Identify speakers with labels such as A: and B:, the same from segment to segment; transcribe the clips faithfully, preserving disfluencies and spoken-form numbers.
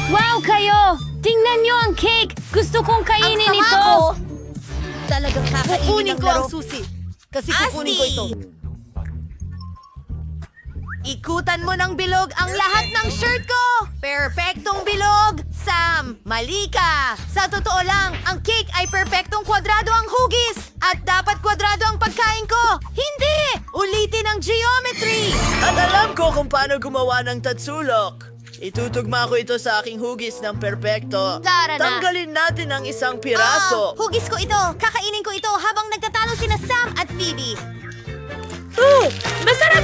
A: Wow kayo! Tingnan nyo ang cake! Gusto kong kainin
B: Ang sama
A: ito!
B: ko! Talagang kakainin
C: Kukunin
B: ng
C: ko
B: laro.
C: ang susi. Kasi kukunin ko ito. Ikutan mo ng bilog ang lahat ng shirt ko! Perpektong bilog! Sam, mali ka! Sa totoo lang, ang cake ay perpektong kwadrado ang hugis! At dapat kwadrado ang pagkain ko! Hindi! Ulitin ang geometry!
D: At alam ko kung paano gumawa ng tatsulok. Itutugma ko ito sa aking hugis ng perpekto.
B: Tara na.
D: Tanggalin natin ang isang
C: Ah,
D: piraso.
C: hugis ko ito! Kakainin ko ito habang nagtatalo sina Sam at Phoebe!
A: Oh! Masarap!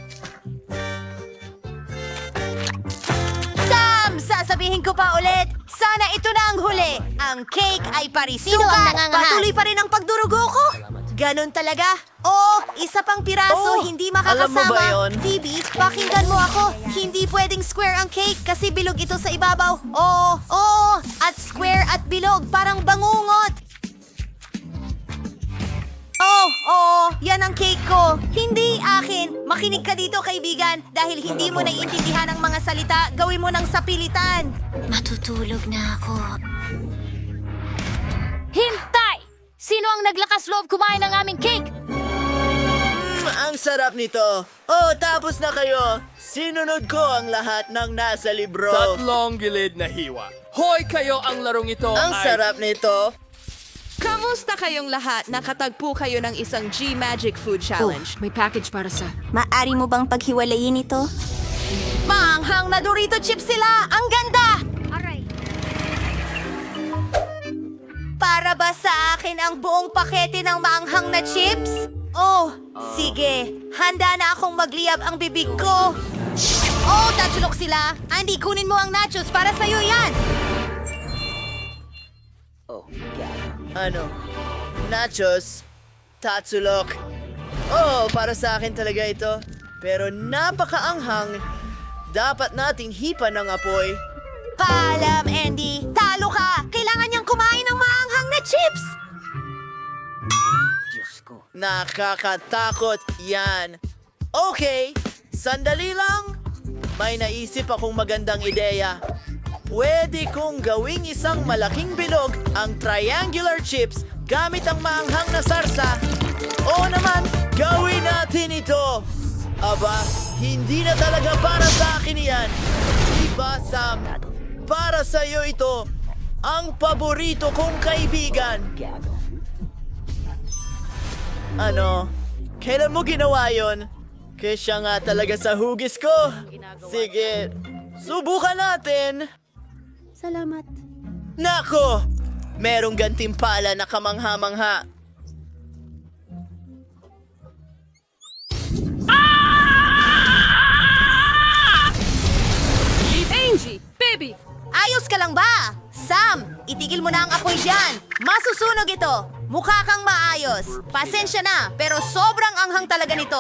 C: Sam! Sasabihin ko pa ulit, sana ito na ang huli. Ang cake ay
B: Sino ang
C: parisukat.
B: nangangahas?
C: Patuloy pa rin ang pagdurugo ko. Ganon talaga. Oo, isa pang piraso,
D: Oh,
C: hindi
D: alam mo
C: makakasama.
D: ba yun?
C: Phoebe, pakinggan mo ako. Hindi pwedeng square ang cake kasi bilog ito sa ibabaw. Oo, oo, at square at bilog, parang bangungot. Oh, oo, yan ang cake ko. Hindi akin. Makinig ka dito, kaibigan. Dahil hindi mo naiintindihan ang mga salita, gawin mo ng sapilitan.
B: Matutulog na ako.
A: Hintay! Sino ang naglakas loob kumain ng aming cake?
D: Mm, ang sarap nito. Oh, tapos na kayo. Sinunod ko ang lahat ng nasa libro.
E: Tatlong gilid na hiwa. Hoy kayo, ang larong ito
D: Ang
E: ay...
D: sarap nito.
F: Kamusta kayong lahat? Nakatagpo kayo ng isang G-Magic Food Challenge.
A: May package para sa...
B: Maari mo bang paghiwalayin ito?
C: Maanghang na Dorito chips sila! Ang ganda! Para ba sa akin ang buong pakete ng maanghang na chips? Oh, sige. Handa na akong magliyab ang bibig ko. Oh, tatsulok sila. Andy, kunin mo ang nachos para sa'yo yan.
D: Ano? Nachos? Tatsulok? Oh, para sa akin talaga ito. Pero napakaanghang. Dapat nating hipan ng apoy.
C: Paalam, Andy. Talo ka. Kailangan niyang kumain ng maanghang na chips.
D: Nakakatakot yan. Okay, sandali lang. May naisip akong magandang ideya. Pwede kong gawing isang malaking bilog ang triangular chips gamit ang maanghang na sarsa. Oo naman, gawin natin ito. Aba, hindi na talaga para sa akin yan. Diba, Sam? Para sa iyo ito, ang paborito kong kaibigan. Ano? Kailan mo ginawa yon? Kesya nga talaga sa hugis ko. Sige, subukan natin.
B: Salamat.
D: Nako! Merong gantimpala na kamangha-mangha.
A: Angie! Baby!
C: Ayos ka lang ba? Sam, itigil mo na ang apoy dyan. Masusunog ito. Mukha kang maayos. Pasensya na, pero sobrang anghang talaga nito.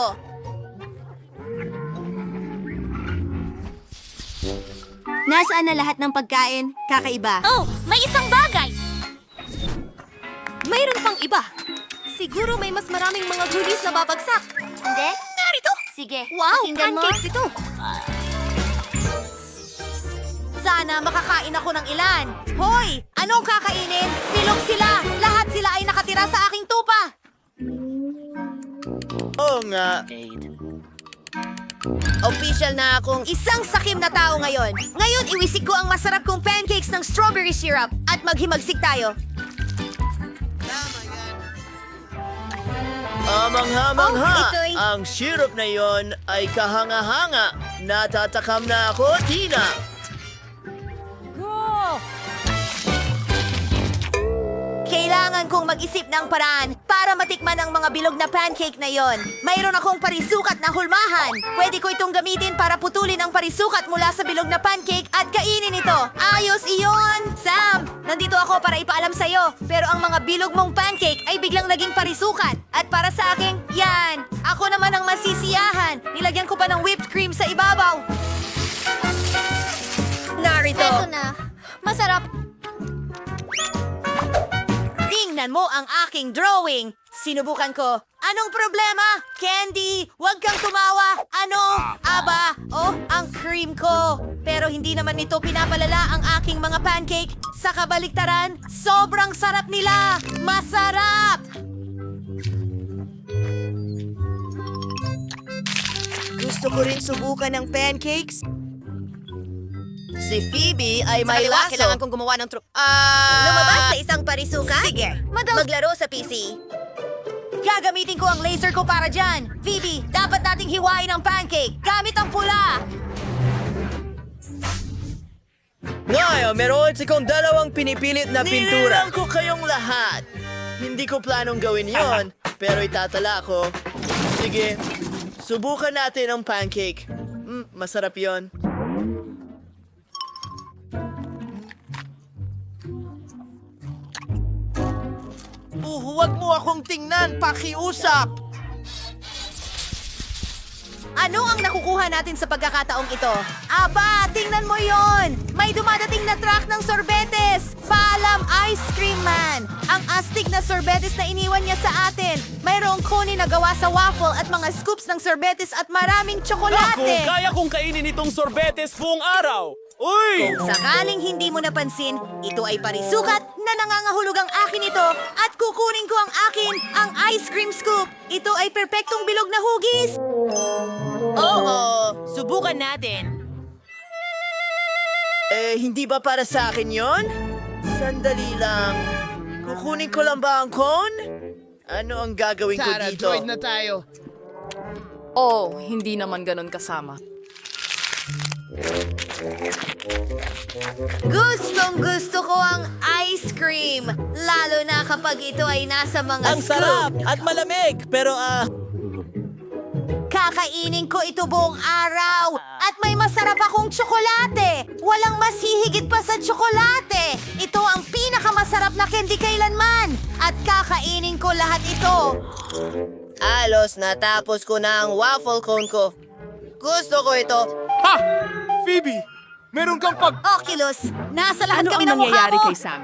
B: Nasaan na lahat ng pagkain? Kakaiba.
C: Oh, may isang bagay.
B: Mayroon pang iba. Siguro may mas maraming mga goodies na babagsak.
C: Hindi? Narito.
B: Sige,
C: Wow,
B: pakinggan mo.
C: pancakes ito. Sana makakain ako ng ilan. Hoy, anong kakainin? Bilog sila. Lahat sila ay nakatira sa aking tupa.
D: Oo nga.
C: Official na akong isang sakim na tao ngayon. Ngayon, iwisik ko ang masarap kong pancakes ng strawberry syrup at maghimagsik tayo.
D: Amang-hamangha!
C: Oh, ito'y-
D: Ang syrup na yon ay kahanga-hanga. Natatakam na ako, Tina.
C: Kailangan kong mag-isip ng paraan para matikman ang mga bilog na pancake na yon. Mayroon akong parisukat na hulmahan. Pwede ko itong gamitin para putulin ang parisukat mula sa bilog na pancake at kainin ito. Ayos iyon! Sam, nandito ako para ipaalam sa'yo. Pero ang mga bilog mong pancake ay biglang naging parisukat. At para sa akin, yan. Ako naman ang masisiyahan. Nilagyan ko pa ng whipped cream sa ibabaw. Narito.
B: Eto na. Masarap.
C: Tingnan mo ang aking drawing. Sinubukan ko. Anong problema? Candy, huwag kang tumawa. Ano? Aba, oh, ang cream ko. Pero hindi naman nito pinapalala ang aking mga pancake. Sa kabaliktaran, sobrang sarap nila. Masarap!
B: Gusto ko rin subukan ng pancakes.
C: Si Phoebe ay
B: Sa
C: may
B: kaliwa,
C: laso.
B: kailangan kong gumawa ng tru- Ah...
C: Lumabas sa isang parisuka?
B: Sige.
C: Madal- Maglaro sa P C. Gagamitin ko ang laser ko para dyan. Phoebe, dapat nating hiwain ang pancake gamit ang pula.
D: Ngayon, meron sikong dalawang pinipilit na pintura.
E: Ninilang ko kayong lahat.
D: Hindi ko planong gawin yon, pero itatala ko. Sige, subukan natin ang pancake. Mm, masarap yon.
E: Uh, huwag mo akong tingnan, pakiusap!
C: Ano ang nakukuha natin sa pagkakataong ito? Aba, tingnan mo yon! May dumadating na truck ng sorbetes! Paalam, Ice Cream Man! Ang astig na sorbetes na iniwan niya sa atin. Mayroong cone na gawa sa waffle at mga scoops ng sorbetes at maraming tsokolate.
E: kaya kong kainin itong sorbetes buong araw! Uy!
C: Kung sakaling hindi mo napansin, ito ay parisukat na nangangahulog ang akin ito at kukunin ko ang akin, ang ice cream scoop. Ito ay perpektong bilog na hugis.
B: Oo, subukan natin.
D: Eh, hindi ba para sa akin yon? Sandali lang. Kukunin ko lang ba ang cone? Ano ang gagawin ko dito?
E: tayo.
A: Oh, hindi naman ganun kasama.
C: Gustong gusto ko ang ice cream, lalo na kapag ito ay nasa mga
D: Ang
C: scoop.
D: sarap at malamig, pero ah...
C: Kakainin ko ito buong araw at may masarap akong tsokolate. Walang mas hihigit pa sa tsokolate. Ito ang pinakamasarap na candy kailanman at kakainin ko lahat ito.
B: Alos, natapos ko na ang waffle cone ko. Gusto ko ito.
E: Ha! Phoebe! Meron kang pag...
C: Oculus, nasa lahat
G: Ano
C: kami
G: ang
C: ng mukha
G: nangyayari
C: mo.
G: kay Sam?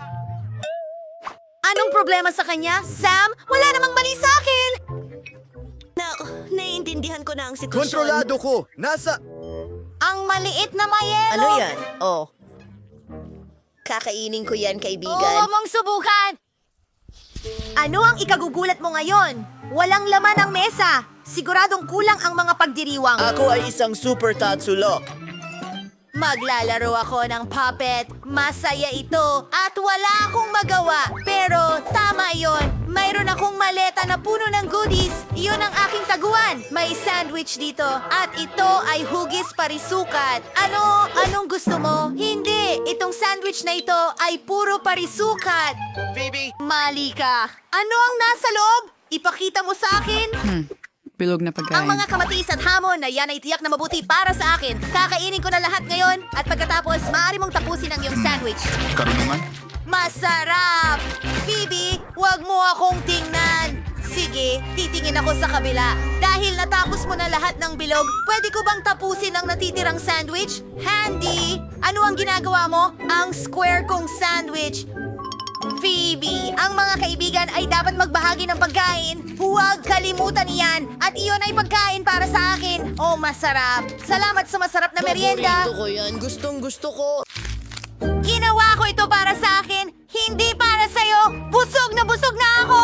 C: Anong problema sa kanya? Sam, wala namang mali sa akin.
B: Na, naiintindihan ko na ang sitwasyon.
H: Kontrolado ko. Nasa...
C: Ang maliit na mayelo.
B: Ano yan? Oh. Kakainin ko yan,
C: Oo,
B: kaibigan.
C: mong subukan. Ano ang ikagugulat mo ngayon? Walang laman ang mesa. Siguradong kulang ang mga pagdiriwang.
D: Ako ay isang super tatsulok.
C: Maglalaro ako ng puppet. Masaya ito. At wala akong magawa. Pero tama yon. Mayroon akong maleta na puno ng goodies. Iyon ang aking taguan. May sandwich dito. At ito ay hugis parisukat. Ano? Anong gusto mo? Hindi. Itong sandwich na ito ay puro parisukat.
E: Phoebe!
C: Mali ka. Ano ang nasa loob? Ipakita mo sa akin.
G: Bilog na pagkain.
C: Ang mga kamatis at hamon na yan ay tiyak na mabuti para sa akin. Kakainin ko na lahat ngayon at pagkatapos, maaari mong tapusin ang iyong sandwich.
H: Karunungan?
C: Masarap! Phoebe, wag mo akong tingnan. Sige, titingin ako sa kabila. Dahil natapos mo na lahat ng bilog, pwede ko bang tapusin ang natitirang sandwich? Handy! Ano ang ginagawa mo? Ang square kong sandwich. Phoebe, ang mga kaibigan ay dapat magbahagi ng pagkain. Huwag kalimutan iyan. At iyon ay pagkain para sa akin. Oh, masarap. Salamat sa masarap na merienda.
B: Paborito ko yan. Gustong gusto ko.
C: Ginawa ko ito para sa akin, hindi para sa'yo. Busog na busog na ako.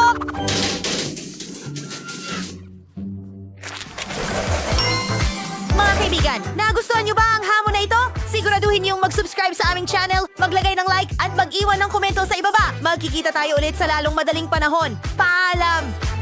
C: Mga kaibigan, nagustuhan niyo ba ang hamon na ito? Siguraduhin niyong mag-subscribe sa aming channel, maglagay ng like at mag-iwan ng komento sa ibaba. Magkikita tayo ulit sa lalong madaling panahon. Paalam!